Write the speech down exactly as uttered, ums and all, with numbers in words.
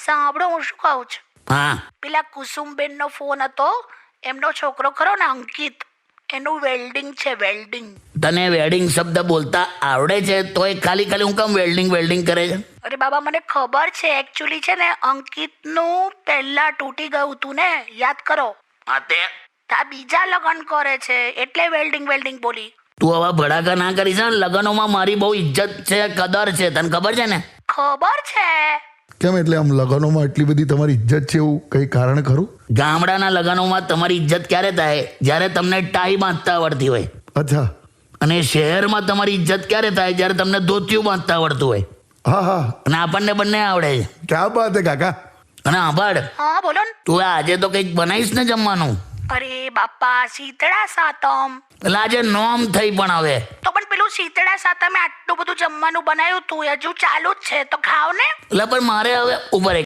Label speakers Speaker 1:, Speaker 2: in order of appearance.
Speaker 1: સાંભળો હું શું કહું છું.
Speaker 2: હા
Speaker 1: પેલા કુસુમબેન નો ફોન હતો, એમનો છોકરો ખરો ને અંકિત, એનું વેલ્ડિંગ છે, વેલ્ડિંગ.
Speaker 2: તને વેડિંગ શબ્દ બોલતા આવડે છે તોય ખાલી ખાલી હું કામ વેલ્ડિંગ વેલ્ડિંગ કરે છે?
Speaker 1: અરે બાબા મને ખબર છે, એકચ્યુઅલી છે ને અંકિતનું પહેલા તૂટી ગયું હતું ને, યાદ કરો.
Speaker 2: હા તે
Speaker 1: આ બીજા લગ્ન કરે છે એટલે વેલ્ડિંગ વેલ્ડિંગ બોલી.
Speaker 2: તું હવે ભડાકા ના કરીશ ને. લગ્નોમાં મારી બહુ ઇજ્જત છે, કદર છે, તને ખબર છે ને?
Speaker 1: ખબર છે.
Speaker 3: કેમ એટલે આમ લગ્નોમાં આટલી બધી તમારી ઇજ્જત છે, એવું કંઈ કારણ ખરું?
Speaker 2: ગામડાના લગ્નોમાં તમારી ઇજ્જત ક્યારે થાય? જ્યારે તમને ટાઈ બાંધતા આવડતી હોય.
Speaker 3: અચ્છા.
Speaker 2: અને શહેરમાં તમારી ઇજ્જત ક્યારે થાય? જ્યારે તમને ધોતિયું બાંધતા આવડતું હોય.
Speaker 3: હા હા,
Speaker 2: અને આપણને બંને આવડે છે.
Speaker 3: ક્યાં બાત હે કાકા.
Speaker 2: અને આભાર,
Speaker 1: હા બોલો ને.
Speaker 2: તું આજે તો કંઈક બનાવીશ ને જમવાનું?
Speaker 1: અરે બાપા શીતળા સાતમ.
Speaker 2: એટલે આજે નોમ થઈ પણ હવે.
Speaker 1: તો પણ પેલું શીતળા સાતમે આટલું બધું જમવાનું બનાવ્યું તું, હજુ ચાલુ જ છે, તો ખાવ ને.
Speaker 2: એટલે પણ મારે હવે ઉપર